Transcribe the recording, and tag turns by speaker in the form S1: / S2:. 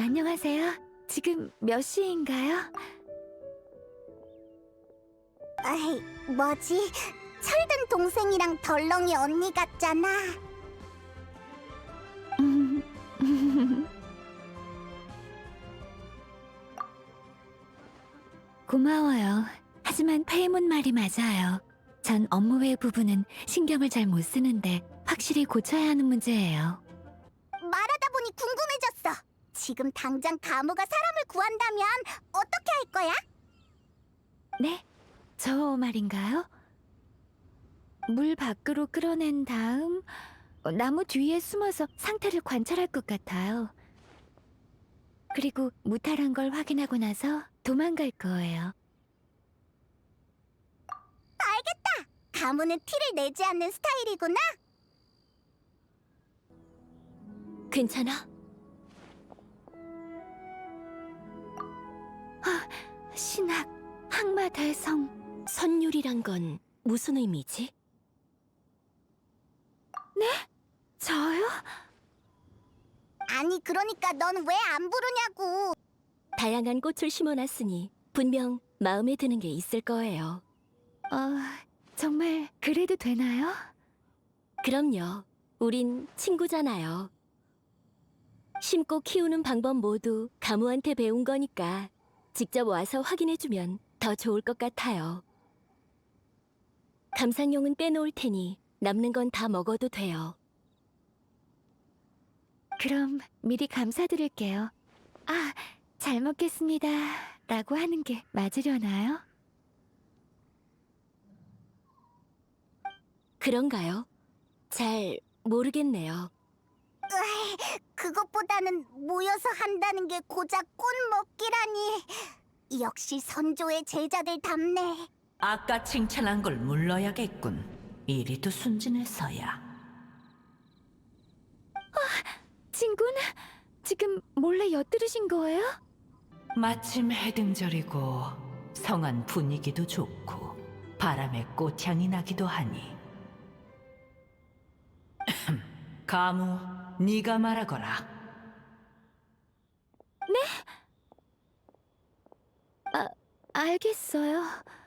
S1: 안녕하세요. 지금 몇 시인가요?
S2: 아이, 뭐지? 철든 동생이랑 덜렁이 언니 같잖아.
S1: 음, 고마워요. 하지만 페이몬 말이 맞아요. 전 업무 외 부분은 신경을 잘 못 쓰는데 확실히 고쳐야 하는 문제예요.
S2: 말하다 보니 궁금해졌어. 지금 당장 가무가 사람을 구한다면 어떻게 할 거야?
S1: 네? 저 말인가요? 물 밖으로 끌어낸 다음 나무 뒤에 숨어서 상태를 관찰할 것 같아요. 그리고 무탈한 걸 확인하고 나서 도망갈 거예요.
S2: 알겠다. 가무는 티를 내지 않는 스타일이구나.
S1: 괜찮아? 신학, 항마 대성.
S3: 선율이란 건 무슨 의미지?
S1: 저요?
S2: 아니, 그러니까 넌 왜 안 부르냐고.
S3: 다양한 꽃을 심어놨으니 분명 마음에 드는 게 있을 거예요.
S1: 정말 그래도 되나요?
S3: 그럼요. 우린 친구잖아요. 심고 키우는 방법 모두 가무한테 배운 거니까 직접 와서 확인해주면 더 좋을 것 같아요. 감상용은 빼놓을 테니 남는 건 다 먹어도 돼요.
S1: 그럼 미리 감사드릴게요. 잘 먹겠습니다. 라고 하는 게 맞으려나요?
S3: 그런가요? 잘 모르겠네요.
S2: 그것보다는 모여서 한다는 게 고작 꽃 먹기라니. 역시 선조의 제자들답네.
S4: 아까 칭찬한 걸 물러야겠군. 이리도 순진해서야.
S1: 친구는 지금 몰래 엿들으신 거예요?
S4: 마침 해등절이고 성안 분위기도 좋고 바람에 꽃향이 나기도 하니. 가무, 네가 말하거라.
S1: 알겠어요.